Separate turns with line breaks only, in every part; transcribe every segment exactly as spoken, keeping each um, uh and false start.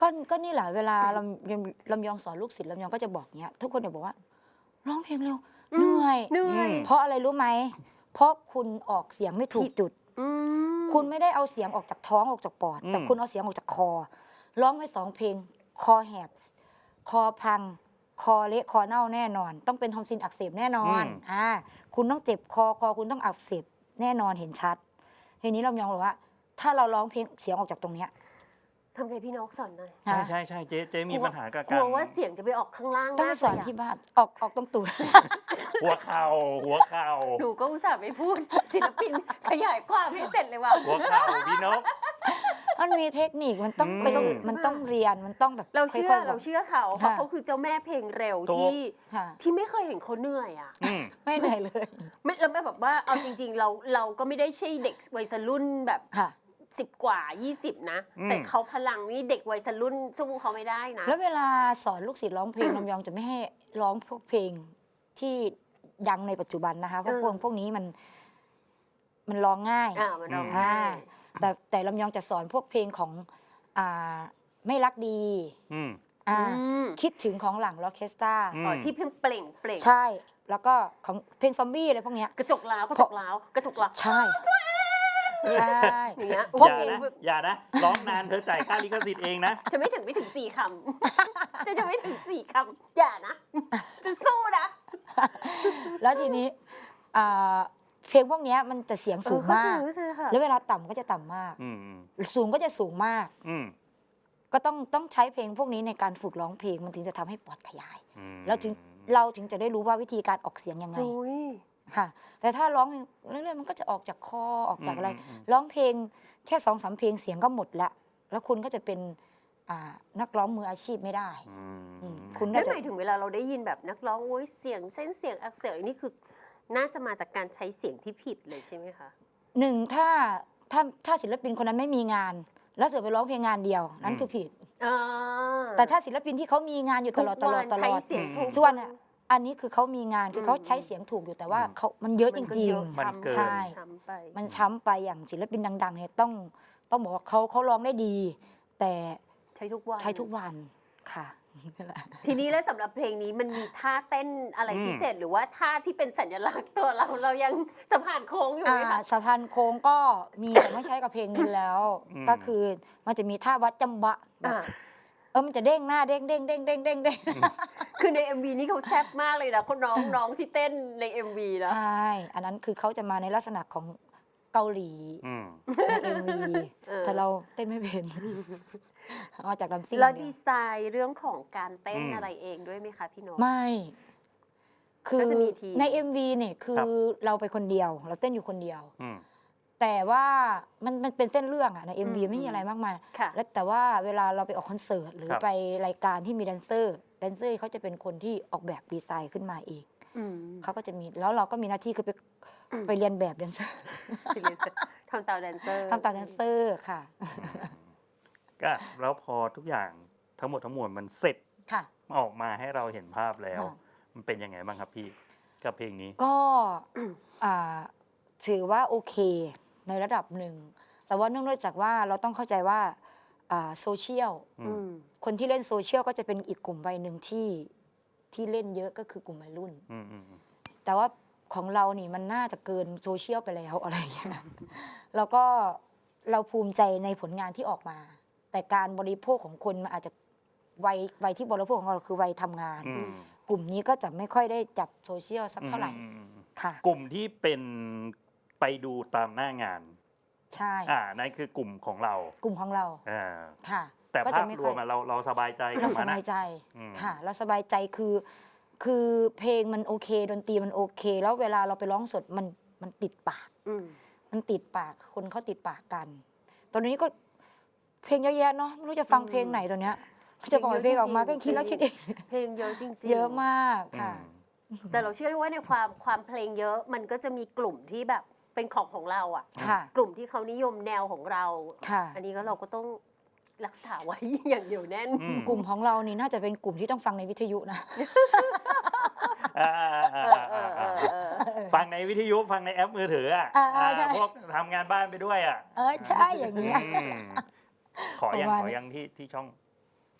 ก็ก็นี่แหละเวลาลำยำลำยองสอนลูกศิษย์ลำยองก็จะบอกเงี้ยทุกคนจะบอกว่าร้องเพลงเร็ว
อื
เห
ม
นื่อย
เหนื่อย
เพราะอะไรรู้ไหมเพราะคุณออกเสียงไม่ถู
ผิ
ก
ด
จุด
อืม
คุณไม่ได้เอาเสียงออกจากท้องออกจากปอด
อื
แต่
ม
คุณเอาเสียงออกจากคอ ร้องไปสองเพลง คอแหบ คอพัง คอเละคอเน่าแน่นอน ต้องเป็นทอมซินอักเสบแน่นอน
อืม
อ่าคุณต้องเจ็บคอคอคุณต้องอักเสบแน่นอนเห็นชัดทีนี้ลำยองบอกว่า ถ้าเราร้องเพลงเสียงออกจากตรงเนี้ย
ทำไงพี่นกสอนหน่อย
ใช่ใช่ใช่เจ๊เจ๊มีปัญหากับ
ก
กา
ลั
ร
วว่าเสียงจะไปออกข้างล่าง
ต้องไป
มาก
สอน
เลยะ
ที่บ้านออกออกตรงตูด
หัวเข่าหัวเข่า
หนูก็อุตส่าห์ไม่พูด ศิลปินขยายความให้เสร็จเลยว่ะ
หัวเข่าพี่นก
มันมีเทคนิคมันต้อง
อืม
ไปมันต้องเรียนมันต้องแบบ
เราเชื่อ
ค่ยๆ
เรา
บก
เชื่อเขาเพราะ
ค่ะ
เขาคือเจ้าแม่เพลงเร็ว
ถูก
ที่
ค่ะ
ที่ไม่เคยเห็นเขาเหนื่อยอ่ะ
อืม
ไม่เหนื่อยเลย
ไม่แล้วแบบว่าเอาจริง ๆ เราเราก็ไม่ได้ใช่เด็กวัยรุ่นแบบ
ค่ะ
สิบกว่ายี่สิบนะ
อืม
แต่เขาพลังนี่เด็กวัยรุ่นสู้เขาไม่ได้นะ
แล้วเวลาสอนลูกศิษย์ร้องเพลง ลำยองจะไม่ให้ร้องพวกเพลงที่ดังในปัจจุบันนะคะเพราะ
เออ
พวกพวกนี้มันมันร้องง่าย
อ่ามันร้อง
อืม
ไห้
อ่าแต่แต่ลำยองจะสอนพวกเพลงของอ่าไม่รักดี
อืม
อ่า
อืม
คิดถึงของหลังล็อกเคสตรา
อืม
อ๋อที่เพิ่งเปล่งเปล่ง
ใช่ แล้วก็ของเพลงซอมบี้อะไรพวกเนี้ย
กระจกล้าวกระจกล้าวกระจกล้าว
ใช่ ใช่
อย่างเงี้ย
พว
อก ย่า
เพลง
นะอย่านะร้องนานเธอจ่ายค่าลิขสิทธิ์เองนะ
จะไม่ถึงไม่ถึงสี่คำ จะจะไม่ถึงสี่คำอย่านะ จะสู้นะ
แล้วทีนี้อ่าเพลงพวกเนี้ยมันจะเสียงสูงมาก
เออเข้าใจเข้าใจค่ะ
แล้วเวลาต่ำก็จะต่ำมาก
อืมอืม
สูงก็จะสูงมาก
อืม
ก็ต้องต้องใช้เพลงพวกนี้ในการฝึกร้องเพลงมันถึงจะทำให้ปอดขยาย
อืม
แล้วถึงเราถึงจะได้รู้ว่าวิธีการออกเสียงยังไง
โอ้ย
ค่ะ แต่ถ้าร้องเรื่อยๆมันก็จะออกจากคอออกจากอะไร
มม
ร้องเพลงแค่สองสามเพลงเสียงก็หมดละแล้วคุณก็จะเป็นอ่านักร้องมืออาชีพไม่ได้
อืม
อืมคุณ
นั่
น่าน จะ
หมายถึงเวลาเราได้ยินแบบนักร้องโอ้ยเสียงเส้นเสียงอักเสบนี่คือ น่าจะมาจากการใช้เสียงที่ผิดเลยใช่ไหมคะ
หนึ่งถ้าถ้าถ้าศิลปินคนนั้นไม่มีงาน แล้วเสือไปร้องเพลงงานเดียว นั่นคือผิด
อ่า
แต่ถ้าศิลปินที่เขามีงานอยู่ตลอดตลอดต
ทุกวัน
ล
ใช้
อด
เสียงถูก
ส่วนอ่ะอันนี้คือเขามีงานคือเขา
อืม
ใช้เสียงถูกอยู่แต่ว่าเขามันเยอะจ
มันก็
ริง
เยอะ
ๆ
มัน
ช้ำ
เกิน
ใช่
ช้ำไป
มันช้ำไปอย่างศิลปินดังๆเนี่ยต้องต้องบอกว่าเขาเขาร้องได้ดี แต่
ใช้ทุกวัน
ใช้ทุกวันค่ะนั่นแหละ
ทีนี้แล้วสำหรับเพลงนี้มันมีท่าเต้นอะไร
อืม
พิเศษหรือว่าท่าที่เป็นสัญลักษณ์ตัวเราเรายังสะพานโค้งอยู่ไหม
อ่า
คะ
สะพานโค้งก็มีแต่ไม่ใช้กับเพลงนี้แล้ว
อืม
ก็คือมันจะมีท่าวัดจำบะแบบ
อ่า
เออมันจะเด้งหน้าเด้งเด้งเด้งเด้งเด้งเด้ง
คือใน เอ็ม วี นี่เขาแซ่บมากเลยนะคนน้องน้องที่เต้นใน เอ็ม วี นะ
ใช่ อันนั้นคือเขาจะมาในลักษณะของเกาหลี
อืม
ในเอ็มวี
เออ
แต่เราเต้นไม่เป็นเอาจากลำซิ่ง
แล้ว
อย่างเดี
ดี
ยว
ไซน์เรื่องของการเต้น
อืม
อะไรเองด้วยไหมคะพี่นก
ไม่ คือ
ก็จะมีทีม
ใน เอ็ม วี เนี่ยคื
ครั
อบ เราไปคนเดียว เราเต้นอยู่คนเดียว
อืม
แต่ว่ามันมันเป็นเส้นเรื่องอะใน เอ็ม วี
อืม
ไม่มีอะไรมากมาย
ค่ะ
แล้วแต่ว่าเวลาเราไปออกคอนเสิร์ตหรือ
ครับ
ไปรายการที่มีแดนเซอร์แดนเซอร์เขาจะเป็นคนที่ออกแบบดีไซน์ขึ้นมาเอง
อืม
เขาก็จะมีแล้วเราก็มีหน้าที่คือไปไปเรียนแบบแดนเซอร์
ทำตามแดนเซอร์
ทำตามแดนเซอร์ค่ะ
ก็แล้วพอทุกอย่างทั้งหมดทั้งมวลมันเสร็จ
ค่ะ
ออกมาให้เราเห็นภาพแล้ว
ค่ะ
มันเป็นยังไงบ้างครับพี่กับเพลงนี้
ก็อ่าถือว่าโอเคในระดับหนึ่ง แต่ว่าเนื่องด้วยจากว่าเราต้องเข้าใจว่าอ่าโซเชียล
อื
อื
ม
ม
คนที่เล่นโซเชียลก็จะเป็นอีกกลุ่มวัยหนึ่งที่ที่เล่นเยอะก็คือกลุ่มวัยรุ่น
อืมอืมอืม
แต่ว่าของเรานี่มันน่าจะเกินโซเชียลไปแล้วอะไรอย่างเงี้ยแล้วก็เราภูมิใจในผลงานที่ออกมา แต่การบริโภคของคนมันอาจจะวัยวัยที่บริโภคของเราคือวัยทำงาน
อืม
กลุ่มนี้ก็จะไม่ค่อยได้จับโซเชียลสักเท่าไหร่
อืมอืมอืม
ค่ะ
กลุ่มที่เป็นไปดูตามหน้างาน
ใช่
อ่านั่นคือกลุ่มของเรา
กลุ่มของเรา
อ่า
ค่ะ
แต่
ก็
ภา
จะ
พ
ไม่
ร
ค่
ว
อย
มอะเราเราสบายใจกับ
เราส
มันนะ
บายใจ
อืม
ค่ะเราสบายใจคือ คือเพลงมันโอเค ดนตรีมันโอเค แล้วเวลาเราไปร้องสดมันมันติดปาก
อืม
มันติดปากคนเขาติดปากกัน ตอนนี้ก็เพลงเยอะแยะเนาะไม่รู้จะฟังเพลงไหนตอนเนี้ยจะปล่อยเพลงออกมาก็คิดแล้วคิดเอง
เพลงเยอะจริงๆ
เยอะมากค่ะ
แต่เราเชื่อว่าในความความเพลงเยอะมันก็จะมีกลุ่มที่แบบเป็นของของเราอ่ะ
ค่ะ
กลุ่มที่เขานิยมแนวของเรา
ค่ะ
อันนี้ก็เราก็ต้องรักษาไว้ อย่างเดียวแน่น
อืม
กลุ่มของเรานี่น่าจะเป็นกลุ่มที่ต้องฟังในวิทยุนะ
อ่าอ่า
เอ
อ่า
อเอ
อ่า
อเอ
อ่า
อเออ
ฟังในวิทยุฟังในแอปมือถืออ่ะ
อ่า
อ่า
ใช่
พวกทำงานบ้านไปด้วยอ่ะ
เออใช่อย่างเงี้ย
อืมขอยัง
ประมาณ
ขอ
นี้
ยังที่ที่ช่อง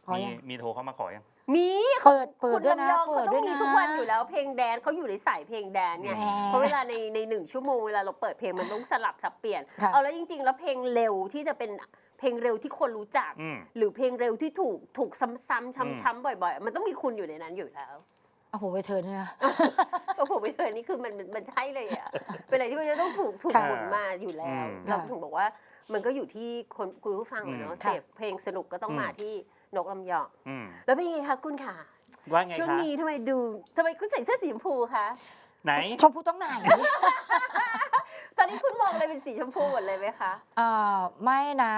ขอ
มี
ยัง
มีโทรเข้ามาขอยัง
มี
เปิดเปิด
คุณ
ด้วยนะ
ลำยอง
เปิ
เขา
ด
ต้อ
ด้ว
ง
ย
มี
นะ
ทุกวันอยู่แล้วเพลงแดนเขาอยู่ในสายเพลงแดนไง
แหม
เพราะเวลาในในหนึ่งชั่วโมงเวลาเราเปิดเพลงมันต้องสลับสับเปลี่ยน
ค่ะ
เอาแล้วจริง ๆ แล้วเพลงเร็วที่จะเป็นเพลงเร็วที่คนรู้จัก
อืม
หรือเพลงเร็วที่ถูกถูกซ้ำๆ
อืม
ช้ำๆบ่อยๆ มันต้องมีคุณอยู่ในนั้นอยู่แล้ว
เอาหัวไปเทิร์นด้วยนะ
ก็ผมไม่เคยนี่คือมันมันมันใช่เลยอ่ะ เป็นอะไรที่มันจะต้องถูกถูก
ค่ะ
หมุนมาอยู่แล้ว
อืม
เราถึงบอกว่ามันก็อยู่ที่คนคุณผู้ฟังอะเนาะ
อืม
เสพเพลงสนุกก็ต้อง
อืม
มาที่นกลำยอง
อืม
แล้วเป็นยังไงคะคุณค่ะ
ว่าไง
ช่วง
คะ
นี้ทำไมดูทำไมคุณใส่เสื้อสีชมพูคะ
ไหน
ชมพูต้องไหน
ตอนนี้คุณมองอะไรเป็นสีชมพูหมดเลยไหมคะ
อ่าไม่นะ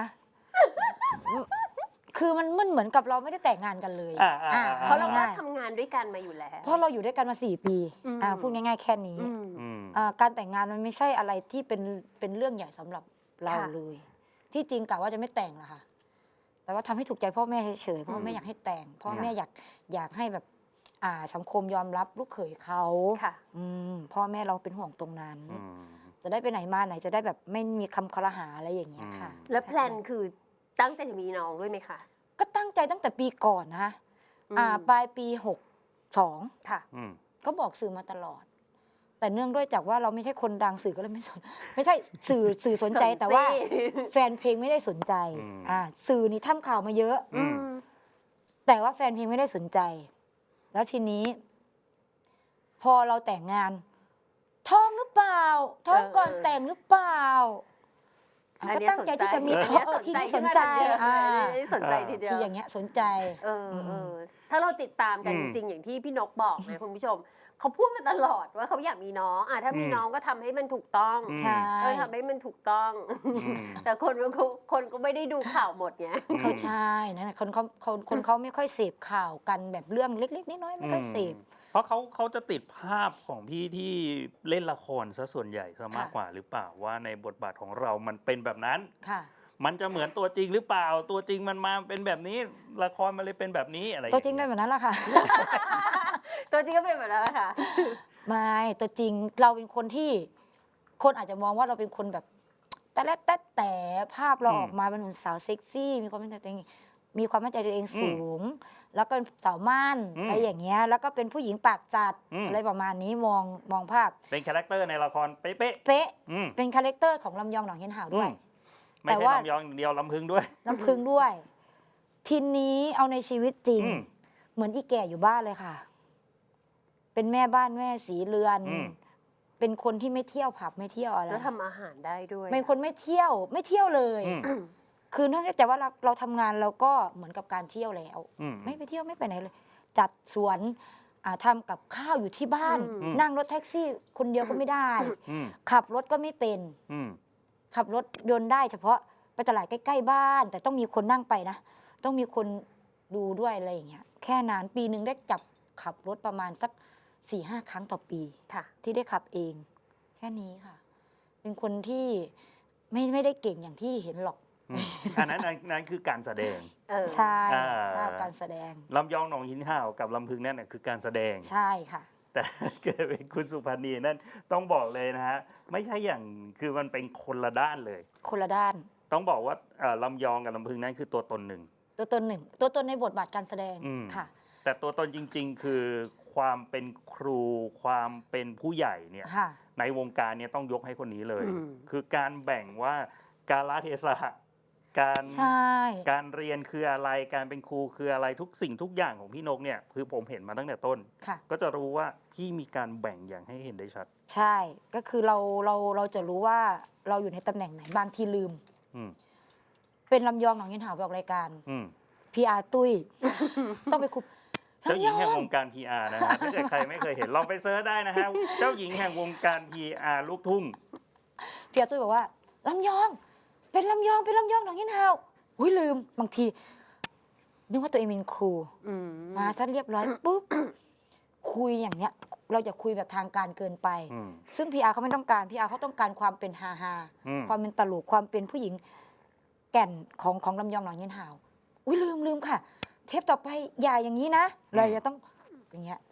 คือมันมันเหมือนกับเราไม่ได้แต่งงานกันเลย
อ่าอ่า
อ่า
อ่า
เพราะเราก็
ง่าย
ทำงานด้วยกันมาอยู่แล้ว
ๆเพราะเราอยู่ด้วยกันมาสี่ปี
อืม
อ่าพูดง่ายๆแค่นี้
อืม
อืม
อ่าการแต่งงานมันไม่ใช่อะไรที่เป็นเป็นเรื่องใหญ่สำหรับเรา
ค่ะ
เลย ที่จริงกะว่าจะไม่แต่งละค่ะ แต่ว่าทำให้ถูกใจพ่อแม่เฉยๆพ่อ
อืม
แม่อยากให้แต่งพ่อ
ค่ะ
แม่อยากอยากให้แบบ อ่าสังคมยอมรับลูกเขยเขา
ค่ะ
อืมพ่อแม่เราเป็นห่วงตรงนั้น
อืม
จะได้ไปไหนมาไหนจะได้แบบไม่มีคำคอรหาอะไรอย่างเงี้ยค่ะ
อืม
แล้วแพลนคือตั้งใจจะมีน้องด้วยไหมคะ
ก็ตั้งใจตั้งแต่ปีก่อนนะ
อืม
อ่าปลายปีหกสอง
ค่ะ
อืม
ก็บอกสื่อมาตลอด แต่เนื่องด้วยจากว่าเราไม่ใช่คนดังสื่อก็เลยไม่สน ไม่ใช่สื่อสื่อสนใจ
สนสิ
แต่ว่าแฟนเพลงไม่ได้สนใจ
อืม
อ่าสื่อนี่ทำข่าวมาเยอะ
อืม
แต่ว่าแฟนเพลงไม่ได้สนใจ แล้วทีนี้ พอเราแต่งงาน ท้องหรือเปล่า ท้องก่อน
เออ
แต่งหรือเปล่าอ่ะ
อัน
ก็
เนี้ย
ตั้งใจที่จะมี
สน
ท้องเออทีนี้สนใจ
อ่า
อ่า
สนใจทีเดียว
ที่อย่างเงี้ยสนใจ
เออเออถ้าเราติดตามกัน
อื
จ
ม
ริงๆ อย่างที่พี่นกบอกนะคุณผู้ชม เขาพูดมาตลอดว่าเขาอยากมีน้องอ่ะถ้ามี
อืม
น้องก็ทำให้มันถูกต้อง
อืม
ใช่
เออทำให้มันถูกต้อง
อืม
แต่คนมันก็คนก็ไม่ได้ดูข่าวหมดไง
เขาใช่นั่นแหละคนเขาคนคนเขาไม่ค่อยเสพข่าวกันแบบเรื่องเล็กๆน้อยๆไม่ค่อยเสพ
เพราะเขาเขาจะติดภาพของพี่ที่เล่นละครซะส่วนใหญ่ซะมาก
ค่ะ
กว่าหรือเปล่าว่าในบทบาทของเรามันเป็นแบบนั้น
ค่ะ
มันจะเหมือนตัวจริงหรือเปล่า ตัวจริงมันมาเป็นแบบนี้ ละครมันเลยเป็นแบบนี้อะไร
ตัวจริงเป็น
อย่า
แบบนั้นแหละค่ะ
ตัวจริงก็เป็นแบบนั้นแหละค่ะ
ไม่ตัวจริงเราเป็นคนที่ คนอาจจะมองว่าเราเป็นคนแบบ แต่และแต่แต่ภาพเราออกมาเป็นเหมือนสาวเซ็กซี่ มีความมั่นใจตัวเองมีความมั่นใจตัวเองสูง แล้วก็เป็นสาวม่านอะไรอย่างเงี้ยแล้วก็เป็นผู้หญิงปากจัดอะไรประมาณนี้มองมองภาพ
เป็นคาแรคเตอร์ในละครเป๊ะ
เป๊ะ
ๆอืม
เป็นคาแรคเตอร์ของลำยองหนองเฮียนหาวด้วย
อืม ไม่
แต่
ใช่
ว่า
ลำยองเดียวลำพึงด้วย
น้ำพึ่งด้วย ทีนี้เอาในชีวิตจริง
อืม
เหมือนอีแก่อยู่บ้านเลยค่ะ เป็นแม่บ้านแม่สีเรือน
อืม
เป็นคนที่ไม่เที่ยวผับไม่เที่ยวอะไร
แล้วทำอาหารได้ด้วย
เป็นคนไม่เที่ยวไม่เที่ยวเลย
อืม
คือเนื่องจากว่าเราเราทำงานเราก็เหมือนกับการเที่ยวแล้ว
อืม
ไม่ไปเที่ยวไม่ไปไหนเลย จัดสวนอ่าทำกับข้าวอยู่ที่บ้าน
อืม
นั่งรถแท็กซี่ คนเดียวก็ไม่ได้
อืม
ขับรถก็ไม่เป็น
อืม
ขับรถยนต์ได้เฉพาะไปตลาดใกล้ๆบ้าน แต่ต้องมีคนนั่งไปนะ ต้องมีคนดูด้วยอะไรอย่างเงี้ยแค่นั้นปีหนึ่งได้จับขับรถประมาณสักสี่ห้าครั้งต่อปี
ค่ะ
ที่ได้ขับเอง แค่นี้ค่ะ เป็นคนที่ไม่ไม่ได้เก่งอย่างที่เห็นหรอก
อืมอันนั้นอันนั้นคือการแสดง
เออ
ใช่
อ่า
ภาพการแสดง
ลำยองหนองหินห่าวกับลำพึงนั่นน่ะคือการแสดง
ใช่ค่ะ
แต่เกิดเป็นคุณสุพรรณีนั่นต้องบอกเลยนะฮะ ไม่ใช่อย่างคือมันเป็นคนละด้านเลย
คนละด้าน
ต้องบอกว่าเอ่อลำยองกับลำพึงนั่นคือตัวตนหนึ่ง
ตัวตนหนึ่ง ตัวตนในบทบาทการแสดง
อืม
ค่ะ
แต่ตัวตนจริง ๆ คือความเป็นครูความเป็นผู้ใหญ่เนี่ย
ค่ะ
ในวงการเนี่ยต้องยกให้คนนี้เลย
อืม
คือการแบ่งว่าการละเทศะการ
ใช่
การเรียนคืออะไรการเป็นครูคืออะไรทุกสิ่งทุกอย่างของพี่นกเนี่ยคือผมเห็นมาตั้งแต่ต้น
ค่ะ
ก็จะรู้ว่าพี่มีการแบ่งอย่างให้เห็นได้ชัด
ใช่ ก็คือเราเราเราจะรู้ว่าเราอยู่ในตำแหน่งไหนบางทีลืม
อืม
เป็นลำยองหนองยินหาวไปออกรายการ
อืม
พีอาร์ตุ้ย ต้องไปคุม
เจ้าหญิงแห่ง
ลำยอ
วงการ พี อาร์ นะฮะถ้าเกิดใครไม่เคยเห็นลองไปเซิร์ชได้นะฮะเจ้าหญิงแห่งวงการ พี อาร์ ลูกทุ่ง
พี่อาตุ้ยบอกว่าลำยอง เป็นลำยองเป็นลำยองหนองยินหาวอุ้ยลืมบางทีนึกว่าตัวเองเป็นครู
อืม
มาซะเรียบร้อยปุ๊บ คุยอย่างเนี้ย เราจะคุยแบบทางการเกินไป
อืม
ซึ่งพีอาร์เขาไม่ต้องการพีอาร์เขาต้องการความเป็นฮาฮา
อืม
ความเป็นตลกความเป็นผู้หญิง แก่นของของลำยองหนองยินหาวอุ้ยลืมลืมค่ะ เทปต่อไปอย่าอย่างนี้นะเราจะต้องอย่างเงี้ย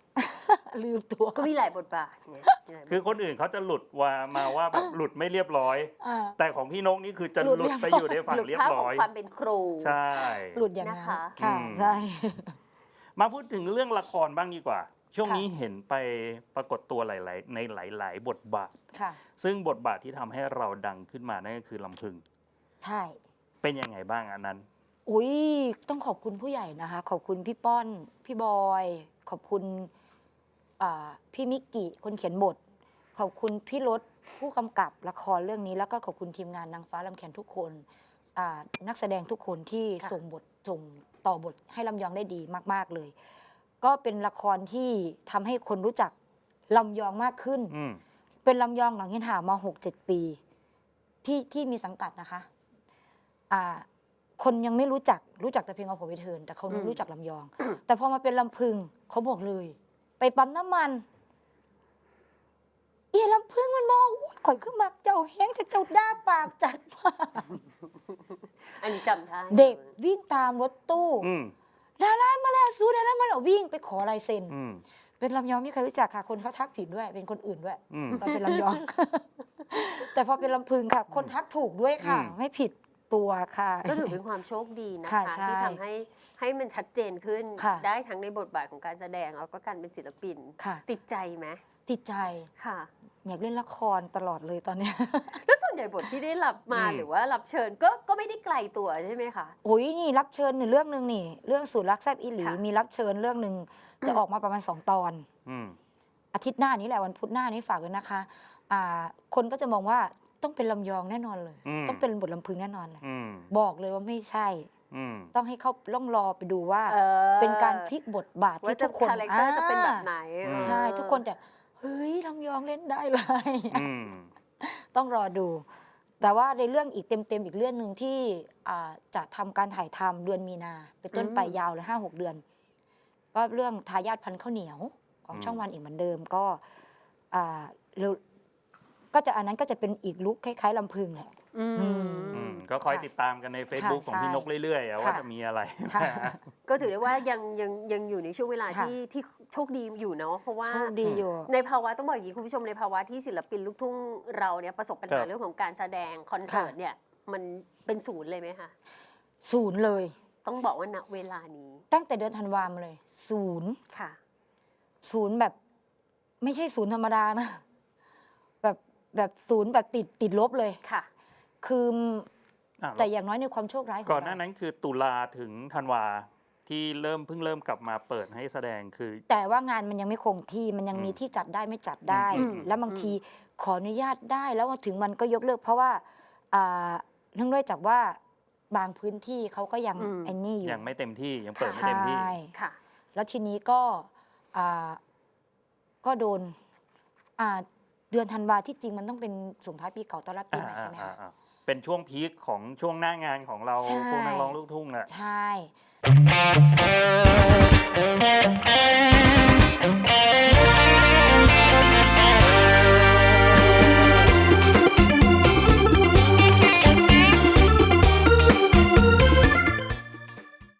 ลืมตัว
ก็มีหลายบทบาทไงมีหลายบท
คือคนอื่นเขาจะหลุดว่ามาว่าแบบหลุดไม่เรียบร้อย
อ่า
แต่ของพี่นกนี่คือจะ
ห
ห
ลุ
ลุ
ด
ดไปอยู่ในฝั่ง
หลุด
เรียบ
ภาพข
ร้
อ
อง ย
ความเป็นครู
ใช่
หลุดอย่างนั้น
นะคะ
ค่ะ
อืม
ใช่
มาพูดถึงเรื่องละครบ้างดีกว่า ช่วง
ค่ะ
นี้เห็นไปปรากฏตัวหลาย ๆ ในหลาย ๆ บทบาท
ค่ะ
ซึ่งบทบาทที่ทำให้เราดังขึ้นมานั่นก็คือลำพึง
ใช่
เป็นยังไงบ้างอันนั้น
อุ้ยต้องขอบคุณผู้ใหญ่นะคะ ขอบคุณพี่ป้อน พี่บอย ขอบคุณอ่าพี่มิกกิคนเขียนบท ขอบคุณพี่รถผู้กำกับละครเรื่องนี้ แล้วก็ขอบคุณทีมงานนางฟ้าลำแขนทุกคนอ่านักแสดงทุกคนที่
ค่ะ
ส่งบทส่งต่อบทให้ลำยองได้ดีมาก ๆ เลย ก็เป็นละครที่ทำให้คนรู้จักลำยองมากขึ้น
อืม
เป็นลำยองหลังเห็นหามาหกเจ็ดปี ที่ที่มีสังกัดนะคะอ่าคนยังไม่รู้จักรู้จักแต่เพลงเอาผมไปเทิร์นแต่เขาไม่
อืม
รู้จักลำยอง แต่พอมาเป็นลำพึงเขาบอกเลย ไปปั๊มน้ำมัน เอียลำพึงมันมองอุ๊ยข่อยขึ้นมาเจ้าแห้งจะเจ้าด้าปากจัดมาก
อันนี้จำได้
เด็กวิ่งตามรถตู้
อืม
ดารามาแล้วสู้ดารามาแล้ววิ่งไปขอลายเซ็น
อืม
เป็นลำยองไม่เคยรู้จักค่ะ คนเขาทักผิดด้วย เป็นคนอื่นด้วย
อืม
ตอนเป็นลำยอง แต่พอเป็นลำพึงค่ะ คนทักถูกด้วยค่ะ
อืม
ไม่ผิดตัวค่ะ
ก็ถือเป็นความโชคดีนะ
ค่ะ
คะ
ใช่
ที่ทำให้ให้มันชัดเจนขึ้น
ค่ะ
ได้ทั้งในบทบาทของการแสดงแล้วก็การเป็นศิลปิน
ค่ะ
ติดใจไหม
ติดใจ
ค่ะ
อยากเล่นละครตลอดเลยตอนเนี้ย
แล้วส่วนใหญ่บทที่ได้รับมา
อืม
หรือว่ารับเชิญก็ก็ไม่ได้ไกลตัวใช่ไหมคะ
โอ้ยนี่รับเชิญหนึ่งเรื่องหนึ่งนี่ เรื่องสูตรรักแซบอีหลี
ค่ะ
มีรับเชิญเรื่องหนึ่งจะออกมาประมาณสองตอน
อืม
อาทิตย์หน้านี้แหละวันพุธหน้านี้ฝากด้วยนะคะอ่าคนก็จะมองว่าต้องเป็นลำยองแน่นอนเลย
อืม
ต้องเป็นบทลำพึงแน่นอนเลย
อืม
บอกเลยว่าไม่ใช่
อืม
ต้องให้เขาล่องรอไปดูว่า
ออ
เป็นการพลิกบทบาท
ว่า
ที่
จะ
ทุกคน
คาแรคเตอร์จะเป็นแบบไหน
อืม
ใช่ ทุกคนแต่เฮ้ยลำยองเล่นได้เลย
อืม
ต้องรอดู แต่ว่าในเรื่องอีกเต็มๆอีกเรื่องหนึ่งที่อ่าจะทำการถ่ายทำเดือนมีนาเป็นต้นไปยาวเลยห้าหกเดือน ก็เรื่องทายาทพันธุ์ข้าวเหนียวของ
อืม
ช่องวันอีกเหมือนเดิมก็อ่าเร็วก็จะอันนั้นก็จะเป็นอีกลุคคล้ายๆลำพึงแหละ
อืม
อืม
อืม ก็คอย
ค่ะ
ติดตามกันใน Facebook
ค่ะ
ของพี่
ใช่
นกเรื่อยๆอะว่า
ค่ะ
จะมีอะไร
ค่ะ
ก็ถือได้ว่ายังยังยังอยู่ในช่วงเวลา
ค่ะ
ที่ที่โชคดีอยู่เนาะเพราะว่า
โชคดีอยู่
ในภาวะต้องบอกอย่างนี้คุณผู้ชมในภาวะที่ศิลปินลูกทุ่งเราเนี่ยประสบปัญ
ครั
หา
บ
เรื่องของการแสดงคอนเสิร์ตเนี่ยมันเป็นศูนย์เลยไหมคะ
ศูนย์เลย
ต้องบอกว่าณเวลานี้
ตั้งแต่เดือนธันวามาเลย ศูนย์
ค่ะ
ศูนย์แบบไม่ใช่ศูนย์ธรรมดานะ แบบแบบศูนย์แบบติดติดลบเลย
ค่ะ
คือ
อ่ะ
แต่อย่างน้อยในความโชคร้ายของ
ก่อนหน้า
เรา
นั้นคือตุลาถึงธันวาที่เริ่มเพิ่งเริ่มกลับมาเปิดให้แสดงคือ
แต่ว่างานมันยังไม่คงที่มันยังมี
อืม
ที่จัดได้ไม่จัดได้
อืม
แล้วบางทีขออนุญาตได้แล้วมาถึงมันก็ยกเลิก เพราะว่าอ่าเนื่องด้วยจากว่าบางพื้นที่เขาก็ยัง
อืม
ไอ้นี่อยู่
ยังไม่เต็มที่ยังเปิดไม่
ใช่
เต็มที่
ค่ะ
แล้วทีนี้ก็อ่าก็โดนอ่าเดือนธันวาที่จริงมันต้องเป็นส่งท้ายปีเก่าต้อนรับปีใหม่ใช่ไหม
อ่า
คะ
อ่าอ่าเป็นช่วงพีคของช่วงหน้างานของเรา
ใช่
พวกนักร้องลูกทุ่งแหละ
ใช่